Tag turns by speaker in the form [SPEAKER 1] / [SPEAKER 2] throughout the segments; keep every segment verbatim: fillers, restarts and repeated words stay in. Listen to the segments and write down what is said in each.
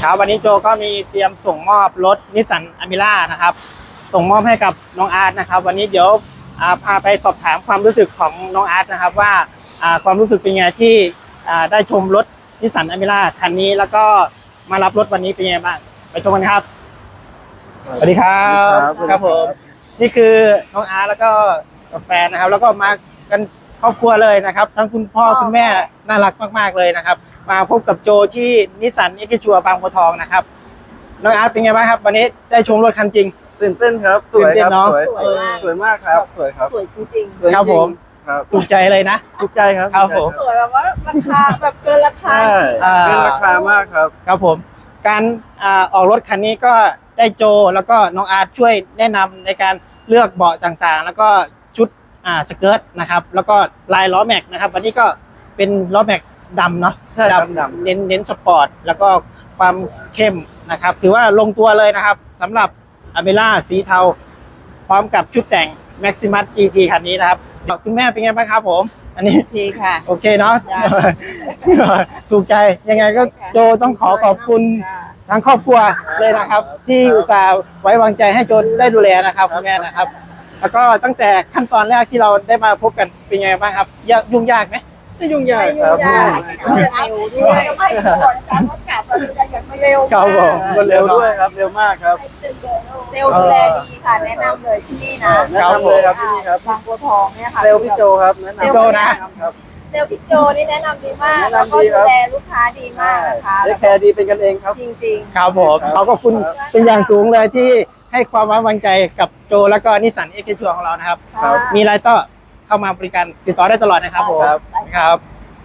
[SPEAKER 1] ครับวันนี้โจก็มีเตรียมส่งมอบรถนิสสันอเมร่านะครับส่งมอบให้กับน้องอาร์ตนะครับวันนี้เดี๋ยวพาไปสอบถามความรู้สึกของน้องอาร์ตนะครับว่าความรู้สึกเป็นไงที่ได้ชมรถนิสสันอเมร่าคันนี้แล้วก็มารับรถวันนี้เป็นไงบ้างไปชมกันครับสวัสดีครับครับผมนี่คือน้องอาร์ตแล้วก็แฟนนะครับแล้วก็มากันครอบครัวเลยนะครับทั้งคุณพ่อคุณแม่น่ารักมากๆเลยนะครับมาพบกับโจที่นิสสันเอ็กซ์ชัวบางบัวทองนะครับน้องอาร์ตเป็นไงบ้างครับวันนี้ได้ชมรถคันจริง
[SPEAKER 2] ตื่นเต้นครับสวยครับสวยสวยมากครับสวยครับ
[SPEAKER 3] สวยจริงๆ
[SPEAKER 1] ครับผมถูกใจเลยนะ
[SPEAKER 2] ถูกใจครับ
[SPEAKER 1] ครับผม
[SPEAKER 3] สวยแบบว่าราคาแบบเกินราคา
[SPEAKER 2] เกินราคามากครับ
[SPEAKER 1] ครับผมการออกรถคันนี้ก็ได้โจแล้วก็น้องอาร์ตช่วยแนะนำในการเลือกเบาะต่างๆแล้วก็ชุดสเกิร์ตนะครับแล้วก็ลายล้อแม็กนะครับวันนี้ก็เป็นล้อแม็กดำเนาะ
[SPEAKER 2] ดำดำ
[SPEAKER 1] เน้นเน้นสปอร์ตแล้วก็ความเข้มนะครับถือว่าลงตัวเลยนะครับสำหรับอเมร่าสีเทาพร้อมกับชุดแต่ง Maximus จี ที คันนี้นะครับคุณแม่เป็นไงบ้างครับผมอันนี้
[SPEAKER 3] ดีค่ะ
[SPEAKER 1] โอเคเนาะถูกใจยังไงก็โจต้องขอขอบคุณทั้งครอบครัวเลยนะครับที่อุตส่าห์ไว้วางใจให้โจได้ดูแลนะครับคุณแม่นะครับแล้วก็ตั้งแต่ขั้นตอนแรกที่เราได้มาพบกันเป็นไงบ้างครับยุ่งยากไหม
[SPEAKER 2] ไม่ยุ่งยากครับ
[SPEAKER 3] เร็วด้วยไม่ก่อนการประกาศเราจะอย่างไม่เร็ว
[SPEAKER 1] ครับผม
[SPEAKER 2] เร็วด้วยครับเร็วมากครับ
[SPEAKER 3] เซลล์ดูแลดีค่ะแนะนำเลยที่นี่นะ
[SPEAKER 2] แนะนำเลยครับที่นี่ครับ
[SPEAKER 3] บางบัวทองเนี่ยค่ะ
[SPEAKER 2] เซลล์พี่โจครับแนะนำ
[SPEAKER 1] โจนะครับ
[SPEAKER 3] เซลล์พี่โจนี่แนะนำดีมากแล้วก็ดูแลลูกค้าดีมากนะคะ
[SPEAKER 2] แคร์ดีเป็นกันเองครับ
[SPEAKER 3] จริงๆ
[SPEAKER 1] ครับผมเขาก็คุณเป็นอย่างสูงเลยที่ให้ความไว้วางใจกับโจแล้วก็นิสสันเอ็กซ์ชัวของเรานะครับมีอะไรก็เข้ามาบริการติดต่อได้ตลอดนะครับผมครับ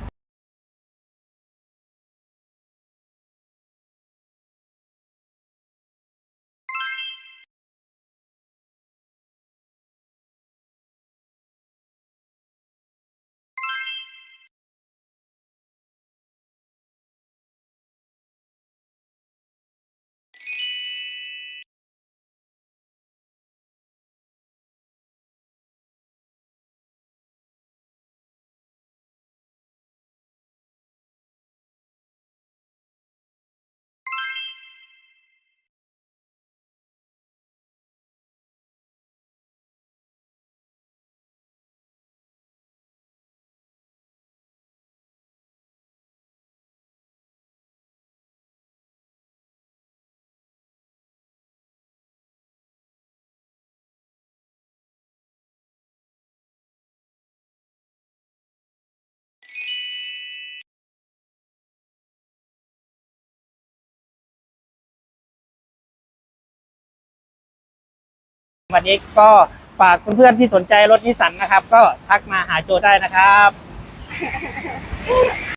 [SPEAKER 1] วันนี้ก็ฝากเพื่อนๆที่สนใจรถนิสสันนะครับก็ทักมาหาโจได้นะครับ